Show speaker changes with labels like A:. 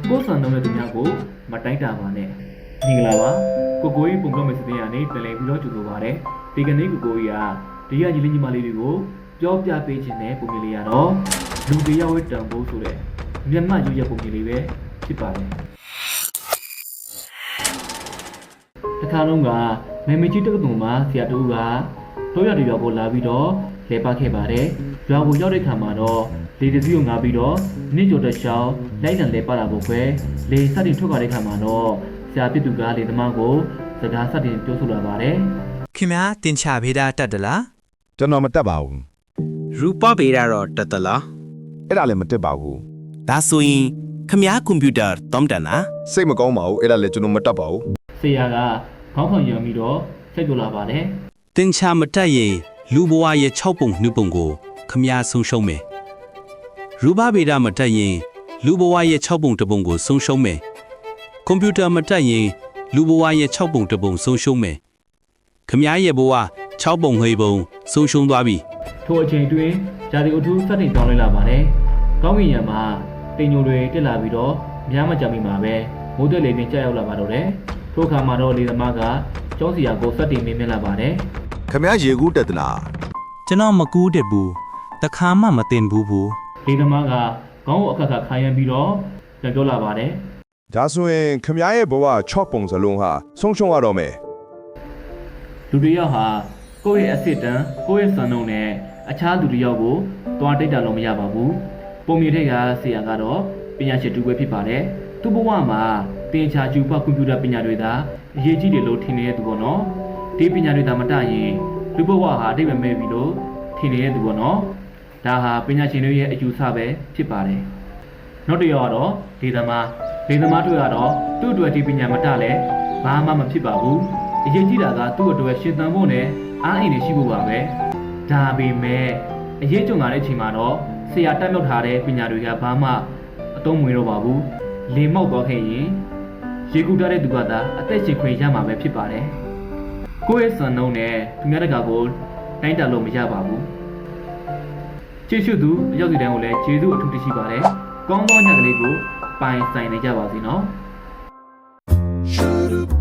A: ကိုယ်ဆန်တဲ့သူများကိုမတိုက်တာပါနဲ့မင်္ဂလာပါကိုကိုကြီးပုံတော့မယ်စတဲ့ရနေပြန်လည်ပြီးတော့ကြိုဆိုပါရစေဒီကနေ့ကိုကိုကြီးကဒီကညီလေးညီမလေးတွေကိုပြောပြပေးခြင်းနဲ့ပုံမြင်လေးရတော့လူတယောက်ရဲ့တန်ဖိုးဆိုတဲ့မျက်မှတ်ရွရပုံမြင်လေးပဲဖြစ်ပါတယ်တစ်ခါလုံးကမေမကြီးတက္ကသိုလ်မှာဆရာတူကတော့ရတဲ့ရွာကိုလာပြီးတော့လဲပတ်ခဲ့ပါတယ်ရွာကိုရောက်တဲ့ခါမှာတော့လေတစည်းကိုငါပြီးတော့နေ့ကျော်တဲ့ရှောင်းလိုက်လံလဲပတ်လာဖို့ပဲလေစတင်ထွက်သွားတဲ့ခါမှာတော့ဆရာပြစ်သူကလေသမားကိုစကားစတင်ပြောဆိုလာပါတယ်
B: ခင်ဗျာတင်ချဖေးတာတက်တလား
C: ကျွန်တော်မတက်ပါဘူး
B: ရူပဖေးတာတော့တက်တလား
C: အဲ့ဒါလည်းမတက်ပါဘူး
B: ဒါဆိုရင်ခင်ဗျာကွန်ပျူတာတောင်းတန်လား
C: စိတ်မကောင်းပါဘူးအဲ့ဒါလည်းကျွန်တော်မတက်ပါဘူး
A: ဆရာကခေါင်းဆောင်ရံပြီးတော့ဆက်ပြောလာပါတယ်
B: တင်ချမတက်ရင်လူဘဝရဲ့6ပုံ2ပုံကိုခင်ဗျာဆုံးရှုံးမယ်ရူပဖေးတာမတက်ရင်လူဘဝရဲ့6ပုံ2ပုံကိုဆုံးရှုံးမယ်ကွန်ပျူတာမတက်ရင်လူဘဝရဲ့6ပုံ2ပုံဆုံးရှုံးမယ်ခင်ဗျာရဲ့ဘဝ6ပုံ2ပုံဆုံးရှုံးသွားပြီ
A: ထိုအချိန်တွင်ဂျာဒီအထူးစတင်ပြောင်းလဲလာပါတယ်ကောင်းကင်ယံမှာတင်ညိုတွေတက်လာပြီးတော့များမကြမီမှာပဲမိုးတက်လေပင်ကြောက်ရောက်လာပါတော့တယ်ထိုအခါမှာတော့လေသမားကကျောင်းစီယာကိုစတင်မေးမြန်းလာပါတယ်
C: ခင်ဗျာရေကူးတက်သလား
B: ကျွန်တော်မကူးတက်ဘူးတခါမှမတင်ဘူး
A: လေသမားကခေါင်းကိုအခက်ခါခါရမ်းပြီးတော့ပြန်ပြောလာပါတယ်
C: ဒါဆိုရင်ခင်ဗျာရဲ့ဘဝ6ပုံစလုံးဟာဆုံးရှုံးရတော့မယ်
A: လူတယောက်ဟာကိုယ့်ရဲ့အစစ်တမ်းကိုယ့်ရဲ့စံနှုန်းနဲ့အခြားလူတယောက်ကိုတွားတိတ်တာလို့မရပါဘူးပုံမြင်တဲ့ကဆရာကတော့ပညာရှင်တူပဲဖြစ်ပါတယ်သူ့ဘဝမှာသင်္ချာကျူပကွန်ပျူတာပညာတွေသာအရေးကြီးတယ်လို့ထင်နေတဲ့သူပေါ့နော်ဒီပညာတွေသာမတရင်လူဘဝဟာအတိတ်ပဲမဲ့ပြီလို့ထင်နေတဲ့သူပေါ့နော်ဒါဟာပညာရှင်တွေရဲ့အယူဆပဲဖြစ်ပါတယ်နောက်တစ်ယောက်ကတော့ဒေသမားတို့ကတော့သူ့အတွက်ဒီပညာမတလဲဘာမှမဖြစ်ပါဘူးအရေးကြီးတာကသူ့အတွက်ရှင်သန်ဖို့နဲ့အားအင်တွေရှိဖို့ပါပဲဒါပေမဲ့အရေးကြုံလာတဲ့အချိန်မှာတော့ဆရာတက်မြောက်ထားတဲ့ပညာတွေကဘာမှအသုံးမဝင်တော့ပါဘူးလေမောက်သွားခဲ့ရင်ရေကူးထားတဲ့သူကသာအသက်ရှင်ခွင့်ရမှာပဲဖြစ်ပါတယ်ကိုယ့်ရဲ့စံနှုန်းနဲ့သူများတကာကိုတိုင်းတာလို့မရပါဘူးကျေးဇူးသူအရောက်စီတိုင်းကိုလည်းကျေးဇူးအထူးတင်ရှိပါတယ်ကောင်းသောညကလေးကိုပိုင်ဆိုင်နေကြပါစေနော်